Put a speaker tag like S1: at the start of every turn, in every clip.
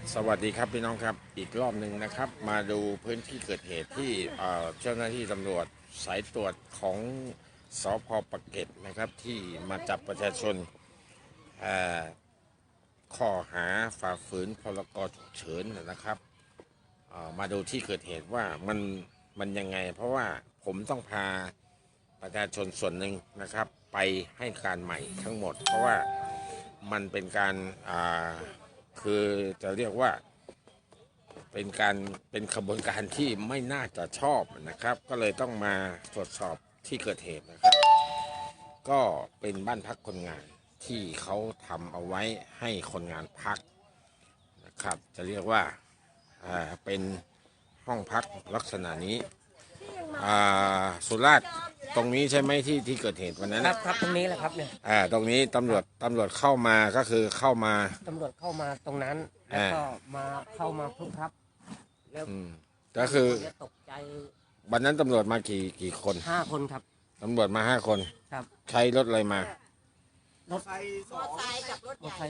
S1: สวัสดีครับพี่น้องครับอีกรอบหนึ่งนะครับมาดูพื้นที่เกิดเหตุที่เจ้าหน้าที่ตำรวจสายตรวจของสพ.ปากเกร็ดนะครับที่มาจับประชาชนข้อหาฝ่าฝืนพรก.ฉุกเฉินนะครับมาดูที่เกิดเหตุว่ามันยังไงเพราะว่าผมต้องพาประชาชนส่วนหนึ่งนะครับไปให้การใหม่ทั้งหมดเพราะว่ามันเป็นการคือจะเรียกว่าเป็นขบวนการที่ไม่น่าจะชอบนะครับก็เลยต้องมาตรวจสอบที่เกิดเหตุนะครับก็เป็นบ้านพักคนงานที่เขาทำเอาไว้ให้คนงานพักนะครับจะเรียกว่าเป็นห้องพักลักษณะนี้สุราษฎร์ตรงนี้ใช่ไหมที่เกิดเหตุวันนั้น
S2: ครับตรงนี้แหละครับเนี่ย
S1: ตรงนี้ตำรวจเข้ามาก็คือเข้ามา
S2: ตำรวจเข้ามาตรงนั้นแล้วก็เข้ามาพลุกครับแล้ว
S1: ก็คือ
S2: ตกใจ
S1: วันนั้นตำรวจมากี่คน
S2: 5 คนครับ
S1: ตำรวจมา5 คน
S2: ครับ
S1: ใช้รถอะไรมา
S2: รถไฟกับรถไฟ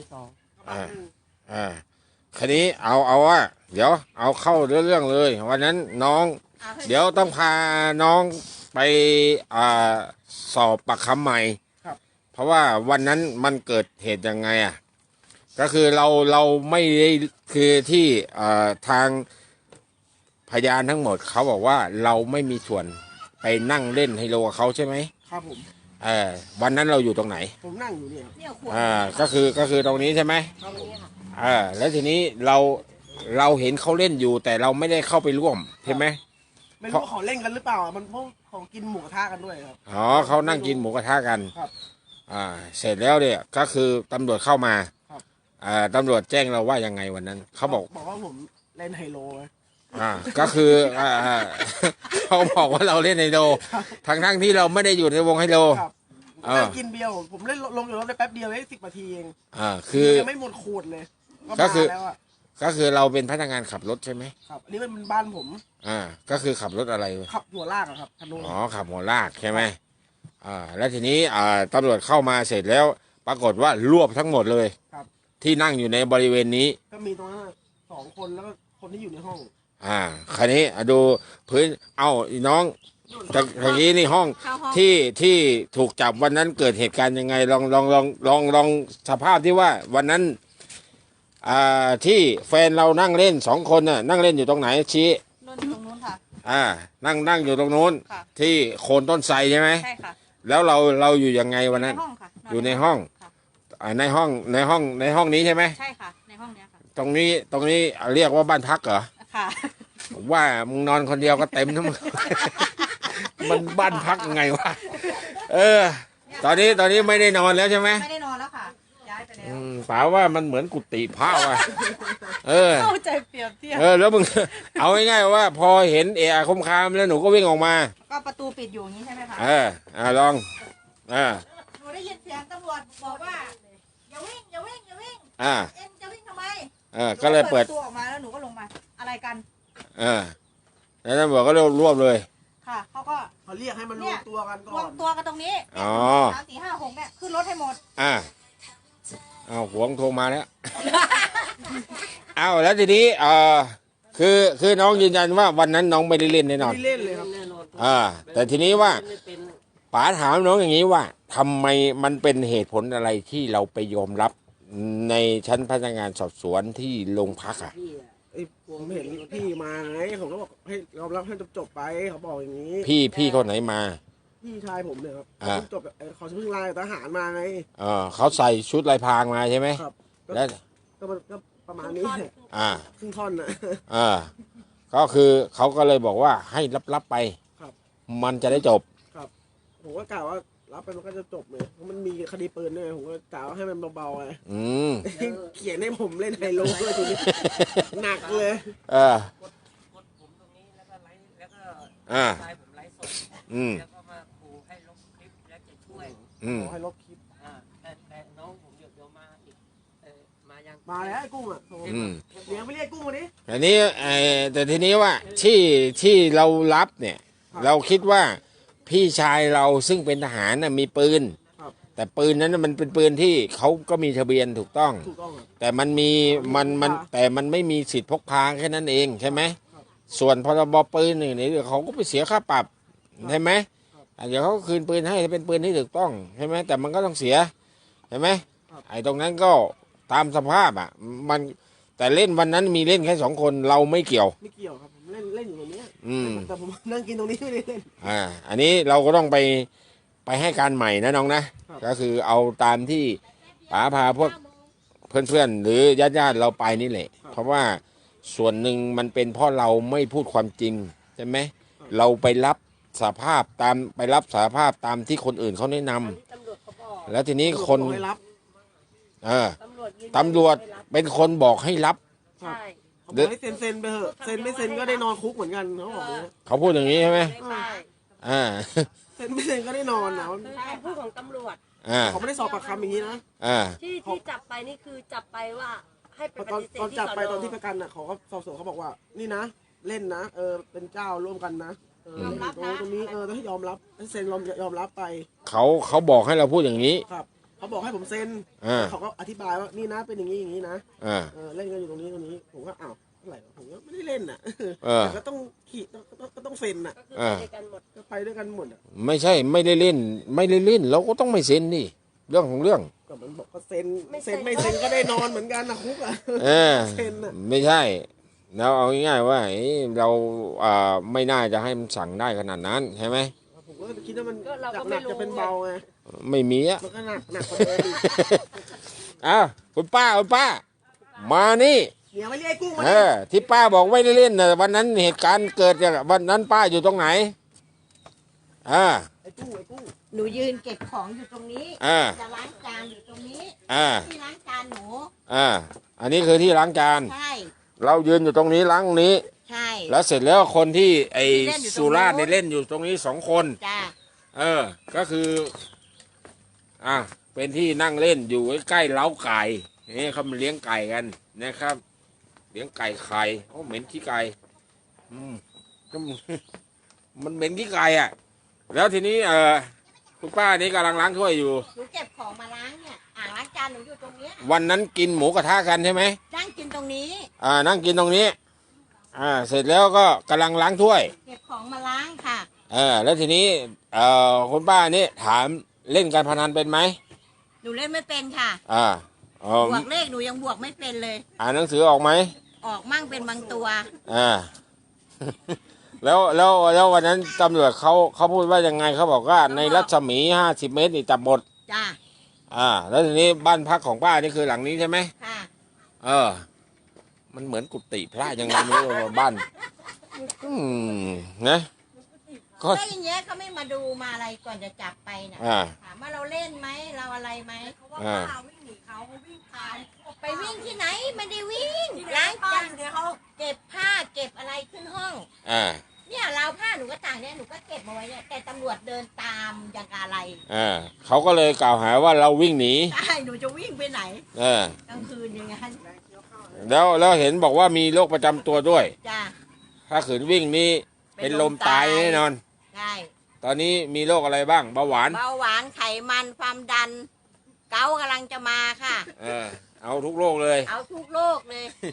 S1: คันนี้เอาว่าเดี๋ยวเอาเข้าเรื่องเลยวันนั้นน้องเดี๋ยวต้องพาน้องไปสอบปากคำใหม่เพราะว่าวันนั้นมันเกิดเหตุยังไงก็คือเราไม่ได้คือที่ทางพยานทั้งหมดเขาบอกว่าเราไม่มีส่วนไปนั่งเล่นไฮโลกับเขาใช่ไหม
S2: ครับผม
S1: วันนั้นเราอยู่ตรงไหน
S2: ผมนั่งอยู่เนี่ย
S1: ก็คือตรงนี้ใช่ไหม
S2: ตรงนี้
S1: แล้วทีนี้เราเห็นเขาเล่นอยู่แต่เราไม่ได้เข้าไปร่วมใช่ไหม
S2: ไม่รู้เขาเล่นกันหรือเปล่ามันพวกของกินหมูกระทะกันด้วยครับ
S1: อ๋อเขานั่งกินหมูกระทะกัน
S2: ครับ
S1: เสร็จแล้วเนี่ยก็คือตำรวจเข้ามาตำรวจแจ้งเราว่ายังไงวันนั้นเขาบอก
S2: ว่าผมเล่นไฮโล
S1: ก็คือเขาบอกว่าเราเล่นไฮโลทั้งที่เราไม่ได้อยู่ในวงไฮโล
S2: นั่งกินเบียร์ผมเล่นลงอยู่รถได้แป๊บเดียวได้10 นาทีเอง
S1: คือ
S2: ยังไม่หมดขวดเลย
S1: ก็คือเราเป็นพนักงานขับรถใช่ไหม
S2: ครับอันนี้มันบ้านผม
S1: ก็คือขับรถอะไร
S2: ขับหัวลากครับ
S1: อ๋อขับหัวลากใช่ไหมแล้วทีนี้ตำรวจเข้ามาเสร็จแล้วปรากฏว่ารวบทั้งหมดเลยที่นั่งอยู่ในบริเวณนี้
S2: ก็มีตรงนั้น2 คนแล้วก็คนที่อยู่ในห้อง
S1: คันนี้ดูพื้นน้องตะกี้นี่ห้องที่ถูกจับวันนั้นเกิดเหตุการณ์ยังไงลองสภาพที่ว่าวันนั้นที่แฟนเรานั่งเล่น2 คนน่ะนั่งเล่นอยู่ตรงไหนชี้
S3: ตรงนู้นค่ะ
S1: นั่งอยู่ตรงนู้นที่โคนต้นไทรใช่ไหม
S3: ใช่ค่ะ
S1: แล้วเราอยู่ยังไงวันนั้นอยู่ในห้องในห้องนี้ใช่ไหม
S3: ใช่ค่ะในห้องนี้ค่ะ
S1: ตรงนี้เรียกว่าบ้านพักเหรอ
S3: ค่ะ
S1: ว่ามึงนอนคนเดียวก็เต็มทั้งมันบ้านพักไงวะตอนนี้ไม่ได้นอนแล้วใช่ไหม
S3: ไม่ได้นอนแล้วค่ะย้ายไปแล้ว
S1: ป๋าว่ามันเหมือนกุฏิพระว่ะ
S3: เข้าใจเปรียบเทียบ
S1: แล้วมึงเอาง่ายๆว่าพอเห็นคมคามแล้วหนูก็วิ่งออกมา
S3: ก็ประตูปิดอยู่อย่างนี้ใช่ไหมคะ
S1: ลอง
S3: หนูได้ยินเสียงตำรวจบอกว่าอย่าวิ่งเอ็มจะวิ่งทำไม
S1: ก็เลยเปิด
S3: ตัวออกมาแล้วหนูก็ลงมาอะไรกัน
S1: แล้วตำรวจก็รวบเลย
S3: ค่ะ
S2: เขาเรียกให้มันรวมตัวกันก่อน
S3: รวมตัวกันตรงนี้3 4 5 6เนี่ยขึ้นรถให้หมด
S1: หวงโทรมาแล้วแล้วทีนี้คือน้องยืนยันว่าวันนั้นน้องไม่ได้เล่นแน่นอน
S2: ไม่เล่นเลยครับแน่น
S1: อนแต่ทีนี้ว่าป๋าถามน้องอย่างนี้ว่าทำไมมันเป็นเหตุผลอะไรที่เราไปยอมรับในชั้นพนักงานสอบสวนที่โรงพัก
S2: ผมเห็นพี่มาไงผมก็บอกให้ยอมรับให้จบไปเขาบอกอย่างนี้
S1: พี่คนไหนมา
S2: พี่ชายผมเนี่ยครับจบเขาเพิ่งลาทหารมาไง
S1: เขาใส่ชุดลายพรางมาใช่ไหม
S2: ครับ
S1: แล้ว
S2: ก็ประมาณนี้ครึ่งท่อน
S1: ก็คือเขาก็เลยบอกว่าให้รับไปมันจะได้จบ
S2: ครับผมก็กล่าวว่ารับไปมันก็จะจบเลยเพราะมันมีคดีปืนด้วยผมก็กล่าวให้มันเบาๆไงเขียนให้ผมเล่นไฮโลด้วยทีนี้หนักเลย
S4: ผมตรงนี้แล้วก็ไลฟ์แล้วก็ชายผมไลฟ์สดแล้วก็มาขู่ให้ลบคลิปแล้วจะช่วย
S2: ให้ลบคลิป
S4: แต่น้องผมเดี๋ยวมาอีก
S2: มาแล้วไอ้กุ้งเลี้ยงไม่เรียกกุ้งวันนี้
S1: อันนี้แต่ทีนี้ว่าที่เรารับเนี่ยเราคิดว่าพี่ชายเราซึ่งเป็นทหารมีปืนแต่ปืนนั้นน่ะมันเป็นปืนที่เขาก็มีทะเบียนถูกต้อง
S2: ถูกต้องครับ
S1: แต่มันมีมันแต่มันไม่มีสิทธิ์พกพาแค่นั้นเองใช่ไหมส่วนพรบปืนนี่เขาก็ไปเสียค่าปรับใช่ไหมเดี๋ยวเขาคืนปืนให้เป็นปืนที่ถูกต้องใช่ไหมแต่มันก็ต้องเสียใช่ไหมไอ้ตรงนั้นก็ตามสภาพอ่ะมันแต่เล่นวันนั้นมีเล่นแค่2 คนเราไม่เกี่ยว
S2: ไม่เกี่ยวครับผมเล่นอยู่ตรงเนี้ย
S1: อืม
S2: แต่ผมนั่งกินตรงนี้ไม่ได้เล่น
S1: อันนี้เราก็ต้องไปให้การใหม่นะน้องนะครับ ก็คือเอาตามที่ป๋าพาพวกเพื่อนๆหรือญาติเราไปนี่แหละเพราะว่าส่วนหนึ่งมันเป็นเพราะเราไม่พูดความจริงใช่ไหมเราไปรับสารภาพตามที่คนอื่นเขาแนะนำ
S3: ตำรวจเขาบอก
S1: แล้วทีนี้คน
S2: บอกให้รับ
S3: ตำรวจยืนยัน
S1: ตำรวจเป็นคนบอกให้รับ
S3: ใช่
S2: เขาบอกให้เซ็นไปเถอะเซ็นไม่เซ็นก็ได้นอนคุกเหมือนกันเขาบอกอย่างเงี้ย
S1: เขาพูดอย่างนี้ใช่ไหม
S3: ใช่
S1: อ่า
S2: เซ็นไม่เซ็นก็ได้นอนนะ
S3: คือคำพูดของตำรวจ
S2: เขาไม่ได้สอบปากคำอย่างนี้นะ
S3: ที่จับไปนี่คือจับไปว่าให้ไปป
S2: ตอน
S3: ฏิเสธ
S2: ตอน
S3: ที่
S2: จับ
S3: ส
S2: ไป
S3: น
S2: ตอนที่ประกันน่ะเขาก็สอบสวนเขาบอกว่านี่นะเล่นนะเป็นเจ้าร่วมกันนะเล่นอยู่ตรงนี้ต้องให้ยอมรับให้เซ็นยอมรับไป
S1: เขาบอกให้เราพูดอย่างนี้
S2: ครับเขาบอกให้ผมเซ็นเขาก็อธิบายว่านี่นะเป็นอย่างนี้อย่างนี้นะ
S1: อ่า
S2: เล่นกันอยู่ตรงนี้ผมก็อ้าวอะไรผมก็ไม่ได้เล่นน่ะ
S1: อ
S2: แต่ก็ต้องขี่ก็ต้องเซ็นน่ะ
S3: ก็คือไปด้วยกันหมด
S2: ก็ไปด้วยกันหมดอ่ะ
S1: ไม่ใช่ไม่ได้เล่นเราก็ต้องไม่เซ็นนี่เรื่องของเรื่อง
S2: ก็มันบอกก็เซ็นไม่เซ็นก็ได้นอนเหมือนกันนะคุกอ่ะ เซ็นน่ะ
S1: ไม่ใช่แล้วเอาง่ายๆว่าเราไม่น่าจะให้มันสั่งได้ขนาดนั้นใช่ไหม
S2: ผมก็คิดว่ามัน
S3: ก็เราก็
S2: ห
S3: ไม่
S2: นัก
S3: รู้
S2: จะเป็นเบาไง
S1: ไม่มีอ่ะ
S2: มันก็หนักกว่าเดิมอีก
S1: อ้าวคุณป้ามานี่
S2: เดี๋ยวไม่เรียกกุ้งมา
S1: ที่ป้าบอกไม่ได้เล่นนะวันนั้นเหตุการณ์เกิดจากวันนั้นป้าอยู่ตรงไหน
S2: ไอ้กุ้ง
S3: หนูยืนเก็บของอยู่ตรงนี้ จะล้างจานอยู่ตรงนี้ที่ล้างจานหนู
S1: อันนี้คือที่ล้างจาน
S3: ใช่
S1: เรายืนอยู่ตรงนี้ล้างตรงนี้
S3: ใช่
S1: แล้วเสร็จแล้วคนที่ไอ้
S3: ที่เล่นอยู่ตรงนู้น
S1: สุราษฎร์เนี่ยเล่นอยู่ตรงนี้2 คน
S3: จ้า
S1: ก็คือเป็นที่นั่งเล่นอยู่ใกล้ๆเล้าไก่นี่เขามาเลี้ยงไก่กันนะครับ เลี้ยงไก่ไข่โอ้เหม็นขี้ไก่ก็มันเหม็นขี้ไก่อ่ะ แล้วทีนี้คุณป้านี่กำลังล้างถ้วยอยู่
S3: หนูเก็บของมาล้างเนี่ยอ่างล้างจานหนูอยู่ตรงเนี้ย
S1: วันนั้นกินหมูกระทะกันใช่ไหม
S3: นั่งกินตรงนี้
S1: นั่งกินตรงนี้เสร็จแล้วก็กำลังล้างถ้วย
S3: เก็บของมาล้างค่ะ
S1: แล้วทีนี้คุณป้านี่ถามเล่นการพนันเป็นไหม
S3: หนูเล่นไม่เป็นค่ะ บวกเลขหนูยังบวกไม่เป็นเลย
S1: อ่านหนังสือออกไหม
S3: ออกมั่งเป็นบางตัว
S1: แล้ววันนั้นตำรวจเขาพูดว่ายังไงเขาบอกว่าในรัศมี50 เมตรนี่จับหมด
S3: จ้า
S1: แล้วทีนี้บ้านพักของป้านี่คือหลังนี้ใช่ไหม
S3: ค่ะ
S1: มันเหมือนกุฏิพระยังไงไม่รู้ว่าบ้านนะก็
S3: ก็อย่างเงี้ยเขาไม่มาดูมาอะไรก่อนจะจับไปน่ะถามว่าเราเล่นไหมเราอะไรไหมเขาว่าป้าวิ่งหนีเขาวิ่งผ่านไปวิ่งที่ไหนไม่ได้วิ่งล้างจานเขาเก็บผ้าเก็บอะไรขึ้นห้องเนี่ยราวผ้าหนูก็ต่างเนี่ยหนูก็เก็บมาไว้เนี่ยแต่ตำรวจเดินตามอย่างอะไร
S1: เขาก็เลยกล่าวหาว่าเราวิ่งหนี
S3: ใช่หนูจะวิ่งไปไหนกลางคืนอย่างงั้น
S1: แล้วเห็นบอกว่ามีโรคประจำตัวด้วย
S3: จ้า
S1: ถ้าขืนวิ่งนี่เป็นลมตายแน่นอน
S3: ใช่
S1: ตอนนี้มีโรคอะไรบ้างเบาหวาน
S3: เบาหวานไขมันความดัน เกากำลังจะมาค่ะ
S1: เอาทุกโรคเลย
S3: เอาทุกโรคเลย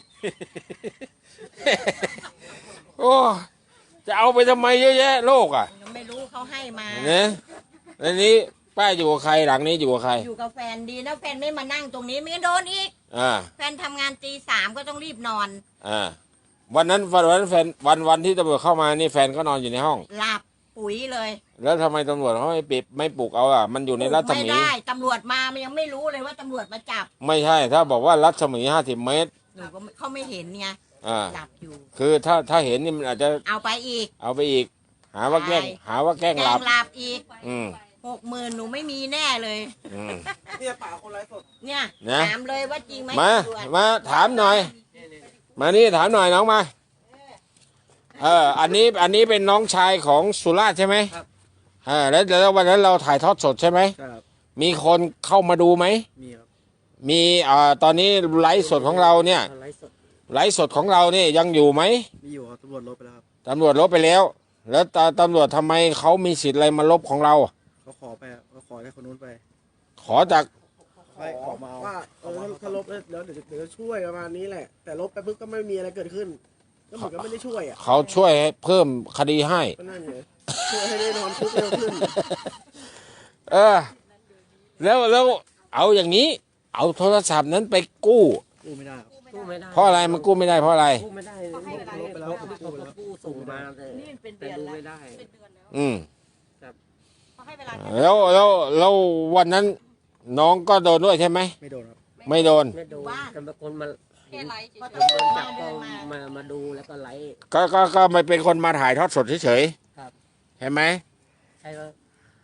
S1: โอ้จะเอาไปทำไมเยอะแยะโรค
S3: ยังไม่รู้เขาให้มา
S1: เนี่ยอันนี้ป้าอยู่กับใครหลังนี้อยู่กับใคร
S3: อยู่กับแฟนดีนะแฟนไม่มานั่งตรงนี้ไม่งั้นโดนอีก แฟนทำงานตี 3ก็ต้องรีบนอน
S1: วันนั้นแฟนวันที่ตำรวจเข้ามานี่แฟนก็นอนอยู่ในห้อง
S3: หลับปุ๋ยเลย
S1: แล้วทำไมตำรวจเขาไม่ปลุกเอามันอยู่ในรัศ
S3: ไม่
S1: มี
S3: ได้ตำรวจมามันยังไม่รู้เลยว่าตำรวจมาจับ
S1: ไม่ใช่ถ้าบอกว่ารัศมี50 เมตร
S3: หนูก็เขาไม่เห็นไงหลับอยู่
S1: คือถ้าเห็นนี่มันอาจจะ
S3: เอาไปอีก
S1: เอาไปอีก หาว่าแกล้งหลับ
S3: หลับอีก
S1: 60,000
S3: หนูไม่มีแน่เลย
S2: เนี่ยป่าคนไร้สด
S3: เนี่ย
S1: นะ
S3: ถามเลยว่าจริงไหม
S1: มาถามหน่อย มานี่ถามหน่อยน้องมาอันนี้เป็นน้องชายของสุราษฎร์ใช่ไหมครับแล้ววันนั้นเราถ่ายทอดสดใช่ไหม
S2: ครับ
S1: มีคนเข้ามาดูไหม
S2: มีครับ
S1: มีตอนนี้ไลฟ์สดของเราเนี่ย ไลฟ์สดของเราเนี่ยยังอยู่ไหม
S2: มีอยู่ครับตำรวจลบไปแล้วครับ
S1: ตำรวจลบไปแล้ว แล้วตำรวจทำไมเขามีสิทธิ์อะไรมาลบของเรา
S2: เขาขอให้คนนู้นไป
S1: ขขอจาก
S2: ขอว่าถ้าลบแล้วเดี๋ยวจะช่วยประมาณนี้แหละ แต่ลบไปปุ๊บก็ไม่มีอะไรเกิดขึ้น ก็เหมือนกับไม่ได้ช่วยอ่ะ
S1: เขาช่วยให้เพิ่มคดีให้
S2: ก็นั่นไงช่วยให้ได้นอนคุกเร็วขึ้น
S1: เออแล้วเอาอย่างนี้ เอาโทรศัพท์นั้นไปกู้
S2: กู้ไม่ได้ครับ
S4: กู้ไม่ได้
S1: เพราะอะไรมันกู้ไม่ได้เพราะอะไร
S4: กู้ไม่ได้
S2: ลบไปแล้ว
S4: เขากู้ส่งมาแต่ดูไม่ได้
S1: อืม
S3: เขาให้เวลา
S1: แล้ววันนั้นน้องก็โดนด้วยใช่ไหม
S2: ไม่โดนครับ
S1: ไม่โดน
S4: ไม่ดูแต่บางคนมาเห็น
S3: ก็
S4: เดิ
S3: ต้อง
S4: นจับ
S3: เดิ
S4: ก็
S3: นมา
S4: มาดูแล้วก็ไลฟ์
S1: ก็ไม่เป็นคนมาถ่ายทอดสดเฉย
S4: ครับ
S1: ๆเห็นไหม
S4: ใช่ว่า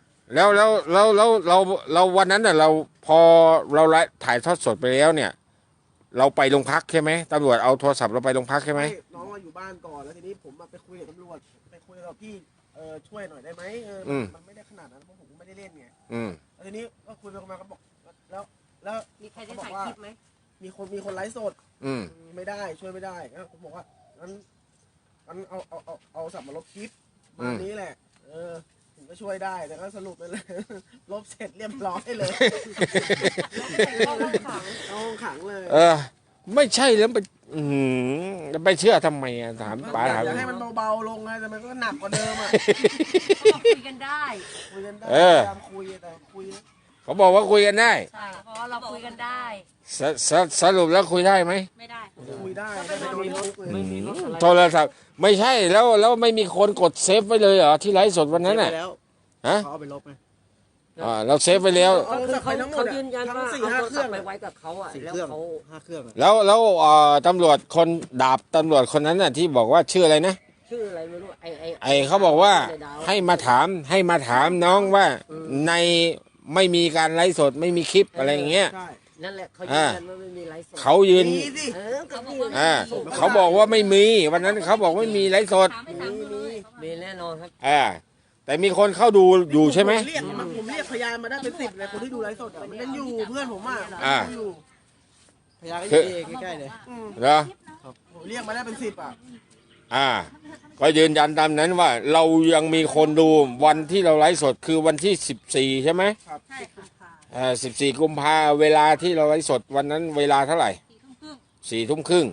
S1: แล้ววันนั้นน่ะเราพอเราไลฟ์ถ่ายทอดสดไปแล้วเนี่ย เราไปโรงพักใช่ไหมตำรวจเอาโทรศัพท์เราไปโรงพักใช่ไหม
S2: น้องอยู่บ้านก่อนแล้วทีนี้ผมไปคุยกับตำรวจไปคุยกับพี่ช่วยหน่อยได้ไหมมันไม่ได้ขนาดนั้นเพราะผมไม่ได้เล่นไง
S1: อืม
S2: แล้วทีนี้ก็คุยไปมาก็บอกแล้ว
S3: มีใครได้ถ่ายคลิปไหม
S2: มีคนไลฟ์สด
S1: อืม
S2: ไม่ได้ช่วยไม่ได้ก็ผมบอกว่างั้นเอาสับมาลบคลิปมานี้แหละ ถึงก็ช่วยได้แต่ก็สรุปไปเลย ลบเสร็จเรียบร้อยเลยเข้าห้องขังเลย
S1: ไม่ใช่แล้วไปไปเชื่อทำไมอ่ะถามป๋าถาม
S2: อยากให้มันเบาๆลงไงแต่มันก็หนักกว่าเดิมอ่ะ
S3: คุยกันได้
S2: คุยกันได้พยายามคุยแต่คุย
S1: เขาบอกว่าคุยกันได้
S3: ใช่เพราะเราคุยกันได้
S1: สรุปแล้วคุยได้ไหม
S3: ไม่ได้
S2: คุยได้แต่ไม่โดนคุกเลย
S4: ไม่มีรถอะไร
S1: โทรศัพท์ไม่ใช่แล้วไม่มีคนกดเซฟไว้เลยเหรอที่ไลฟ์สดวันนั้นน่ะ
S2: แล้ว
S1: ฮะ
S2: เขาเอาไปลบไหม
S1: เราเซฟไว้แล้ว
S2: เอา
S4: คือ
S2: ไปทั้งหม
S4: เขา
S2: ด
S4: ยืนยัน
S2: ทั้ง
S4: ว่า
S2: สี่
S4: เอา
S2: ห้า
S4: โทร
S2: เค
S4: ศั
S2: รื่
S4: พ
S2: อง
S4: ท์ไปไว้กับเขาอ่ะ
S2: สี่
S4: แล้ว
S2: เครื่อง
S4: เขา
S2: 5 เครื่อง
S1: แล้วตำรวจคนดาบตำรวจคนนั้นน่ะที่บอกว่าชื่ออะไรนะ
S4: ชื่ออะไรไม่รู้
S1: ไอเขาบอกว่า
S4: ในดว
S1: ให้มาถามน้องว่าในไม่มีการไลฟ์สดไม่มีคลิปอะไรอย่างเงี้ย
S2: ใช่
S4: นั่นแหละเขายืนยันว่าไม่มีไลฟ์สด
S1: เขายืน
S2: มีสิ
S4: ก็มี
S1: เขาบอกว่าไม่มีวันนั้นเขาบอกไม่มีไลฟ์สด
S4: มีแน่นอนครับ
S1: แต่มีคนเข้าดูอยู่ใช่ไหม
S2: ผมเรียกพยานมาได้เป็น10เลยคนที่ดูไลฟ์สดอะมันยังอยู่เพื่อนผมอ่ะ
S1: อ่า
S2: อยู่พยานก็
S1: คือ
S2: อยู่ใกล้ๆเลย
S1: เหรอ
S2: ผมเรียกมาได้เป็น10อ่ะ
S1: ก็ยืนยันตามนั้นว่าเรายังมีคนดูวันที่เราไลฟ์สดคือวันที่14ใช่ไหม
S3: ใช่ค่ะ
S1: 14 กุมภาเวลาที่เราไลฟ์สดวันนั้นเวลาเท่าไหร่ 4 ทุ่มครึ่ง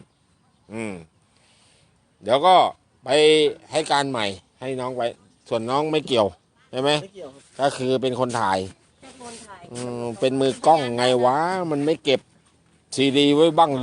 S1: เดี๋ยวก็ไปให้การใหม่ให้น้องไปส่วนน้องไม่เกี่ยวใช่ไหม
S2: ไม่เกี่ยวครับ
S1: ก็คือเป็นคนถ่าย
S3: เป็นคนถ่าย
S1: เป็นมือกล้องไงวะมันไม่เก็บซีดีไว้บ้างเลย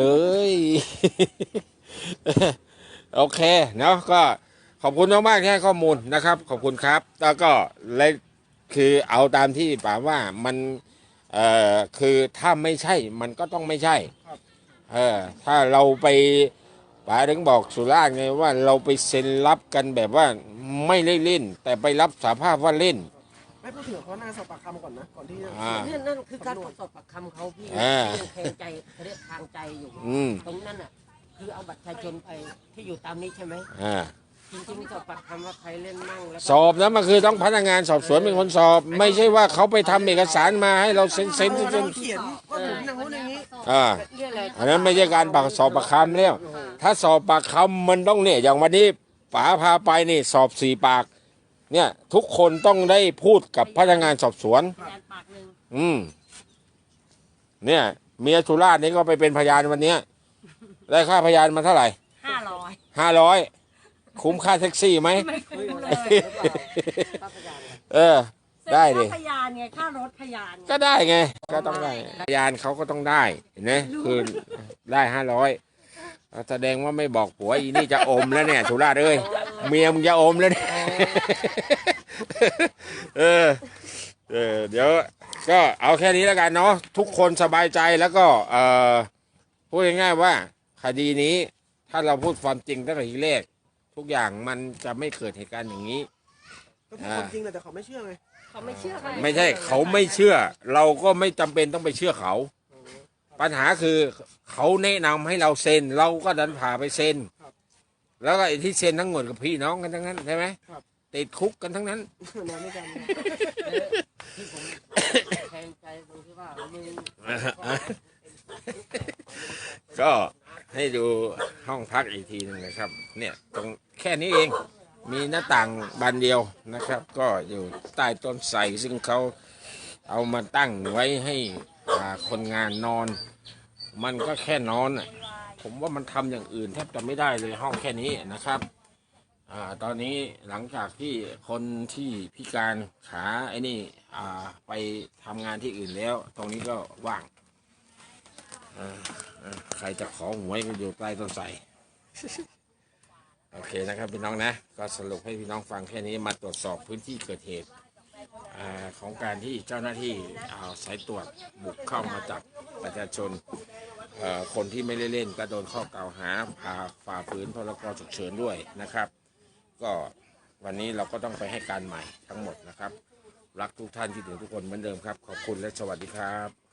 S1: โอเคเนาะก็ขอบคุณมากๆที่ให้ข้อมูลนะครับ ขอบคุณครับแล้วก็และคือเอาตามที่ป๋าว่ามันคือถ้าไม่ใช่มันก็ต้องไม่ใช่ถ้าเราไปป๋าถึงบอกสุราษฎร์ไงว่าเราไปเซ็นรับกันแบบว่าไม่ได้เล่น แต่ไปรับสาภาพว่าเล่น
S2: ไม่พูดถึงเขาหน้าสอบปากคำก่อนนะก่อนที่จะ
S4: นั่นคือการตรวจสอบปากคำเขาพี่แทงใจเขาเรียกทางใจอยู่ตรงนั้นอ่ะคือเอาบัตรประชาชนไปที่อยู่ตามนี้ใช่ไหมจริงๆสอบปากคำว่าใครเล่นมั่งแล้ว
S1: สอบนะมันคือต้องพนักงานสอบสวนเป็นคนสอบ ไม่ใช่ว่าเขาไปทำเอกสารมาให้เราเซ็น
S2: เขาเขียนว่าผมอย่างนู้นอย่างนี้
S1: อันนั้นไม่ใช่การสอบปากคำแล้วถ้าสอบปากคำมันต้องเนี่ยอย่างวันนี้ป๋าพาไปนี่สอบ4 ปากเนี่ยทุกคนต้องได้พูดกับพนักงานสอบสวน
S3: พยานปากหนึ่ง
S1: เนี่ยเมียสุราษฎร์นี่ก็ไปเป็นพยานวันเนี้ยได้ค่าพยานมาเท่าไหร่
S3: 500
S1: 500คุ้มค่าแท็กซี่ไหม
S3: ไม่คุ้มเลย
S1: ได้ดิ
S3: ค่าพยานไงค่ารถพยาน
S1: ก็ได้ไงก็ต้องได้พยานเขาก็ต้องได้เห็นไหมคือได้500แสดงว่าไม่บอกผัวอีนี่จะอมแล้วเนี่ยสุราษฎร์เอ้ยเมียมึงจะอมแล้วเนี่ยเดี๋ยวก็เอาแค่นี้แล้วกันเนาะทุกคนสบายใจแล้วก็พูดง่ายๆว่าคดีนี้ถ้าเราพูดความจริงตั้งแต่ทีแรกทุกอย่างมันจะไม่เกิดเหตุการณ์อย่างนี้
S2: ก็พูดความจริงแหละแต่เขาไม่เชื่อไง
S3: เขาไม่เชื่อค่ะ
S1: ไม่ใช่เขาไม่เชื่อ เราก็ไม่จำเป็นต้องไปเชื่อเขา ปัญหาคือเขาแนะนำให้เราเซ็นเราก็ดันผ่าไปเซ็นแล้วก็ไอ้ที่เซ็นทั้งหมดกับพี่น้องกันทั้งนั้นใช่ไหมติดคุกกันทั้งนั้น
S2: นอนด้วยกัน
S4: ที่ผมแทงใจตรงที่ว่ามึง
S1: ก็ให้ดูห้องพักอีกทีหนึงนะครับเนี่ยตรงแค่นี้เองมีหน้าต่างบานเดียวนะครับ ก็อยู่ใต้ต้นไทรซึ่งเขาเอามาตั้งไว้ให้คนงานนอน มันก็แค่นอนอ่ะผมว่ามันทำอย่างอื่นแทบจะไม่ได้เลยห้องแค่นี้นะครับตอนนี้หลังจากที่คนที่พิการขาไอ้นี่ไปทำงานที่อื่นแล้วตรงนี้ก็ว่างใครจะขอหวยก็อยู่ใต้ต้นไทร โอเคนะครับพี่น้องนะก็สรุปให้พี่น้องฟังแค่นี้มาตรวจสอบพื้นที่เกิดเหตุของการที่เจ้าหน้าที่สายตรวจบุกเข้ามาจับประชาชนคนที่ไม่ได้เล่นก็โดนข้อกล่าวหาฝ่าฝืนพรกฉุกเฉินด้วยนะครับก็วันนี้เราก็ต้องไปให้การใหม่ทั้งหมดนะครับรักทุกท่านที่ถึงทุกคนเหมือนเดิมครับขอบคุณและสวัสดีครับ